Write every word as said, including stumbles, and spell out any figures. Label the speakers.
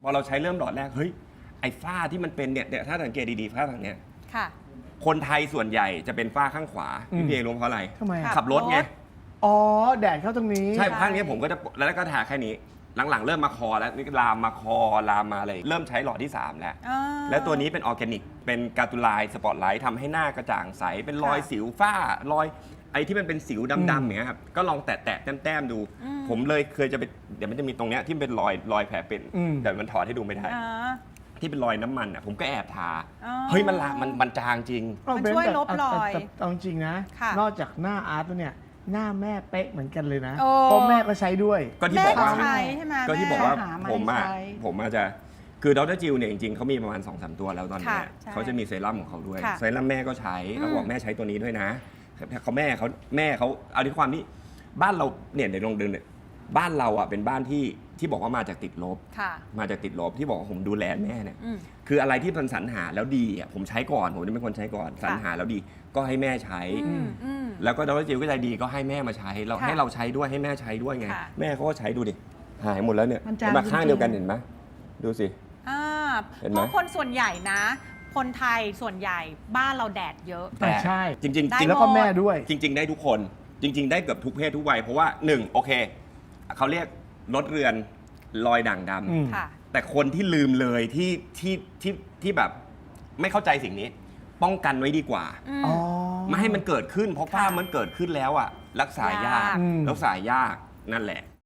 Speaker 1: พอเราใช้เริ่มหลอดแรกเฮ้ยไอ้ฝ้าที่มันเป็นเนี่ยถ้าสังเกตดีๆฝ้าทางเนี้ยคนไทยส่วนใหญ่จะเป็นฝ้าข้างขวาพี่เอรู้เพราะอะไร
Speaker 2: ทำไม
Speaker 1: ขับรถไง
Speaker 2: อ๋อแดดเข้าตรงนี้
Speaker 1: ใช่ข้างนี้ผมก็จะแล้วก็ทาแค่นี้หลังๆเริ่มมาคอแล้วนี่ลามมาคอลามมาอะไรเริ่มใช้หลอดที่สามแล้วแล้วตัวนี้เป็นออร์แกนิกเป็นการ์ตูไลน์สปอตไลท์ทำให้หน้ากระจ่างใสเป็นรอยสิวฝ้ารอยไอ้ที่มันเป็นสิวดำๆอย่างเงี้ยครับก็ลองแตะๆแต้มๆดูผมเลยเคยจะไปเดี๋ยวมันจะมีตรงเนี้ยที่เป็นรอยรอยแผลเป็นแต่มันถอดให้ดูไม่ได้ที่เป็นรอยน้ำมันอ่ะผมก็แอบทาเฮ้ยมันละมันมันจางจริง
Speaker 3: มันช่วยลบรอย
Speaker 2: เอาจริงนะนอกจากหน้าอาร์ตแล้วเนี่ยหน้าแม่เป๊ะเหมือนกันเลยนะเพราะแม่ก็ใช้ด้วย
Speaker 1: ก็ที่บอกว่าก็ที่บอกว่าผ
Speaker 3: ม
Speaker 1: อ่ะผมอาจจะคือดรจิลเนี่ยจริงๆเขามีประมาณ สองสาม ตัวแล้วตอนนี้เขาจะมีเซรั่มของเขาด้วยเซรั่มแม่ก็ใช้แล้วบอกแม่ใช้ตัวนี้ด้วยนะเขาแม่เขาแม่เขาเอาที่ความที่บ้านเราเนี่ยเดี๋ยวลองเดินเนี่ยบ้านเราอ่ะเป็นบ้านที่ที่บอกว่ามาจากติดลบมาจากติดลบที่บอกว่าผมดูแลแม่เนี่ยคืออะไรที่มันสรรหาแล้วดีอ่ะผมใช้ก่อนผมจะเป็นคนใช้ก่อนสรรหาแล้วดีก็ให้แม่ใช้แล้วก็ดรจิลก็ใจดีก็ให้แม่มาใช้เราให้เราใช้ด้วยให้แม่ใช้ด้วยไงแม่เขาก็ใช้ดูดิหายหมดแล้วเนี่ยมาข้างเดียวกันเห็นไหมดูสิ
Speaker 3: เพราะคนส่วนใหญ่นะคนไทยส่วนใหญ่บ้านเราแดดเยอะ
Speaker 2: แต่ใช่
Speaker 1: จริงจริง
Speaker 2: แล้วก็แม่ด้วย
Speaker 1: จริงๆได้ทุกคนจริงๆได้เกือบทุกเพศทุกวัยเพราะว่าหนึ่งโอเคเขาเรียกลดเรือนรอยด่างดำแต่คนที่ลืมเลยที่ที่ที่ที่แบบไม่เข้าใจสิ่งนี้ป้องกันไว้ดีกว่าไม่ให้มันเกิดขึ้นเพราะฝ้ามันเกิดขึ้นแล้วอ่ะรักษายากรักษายากนั่นแหละ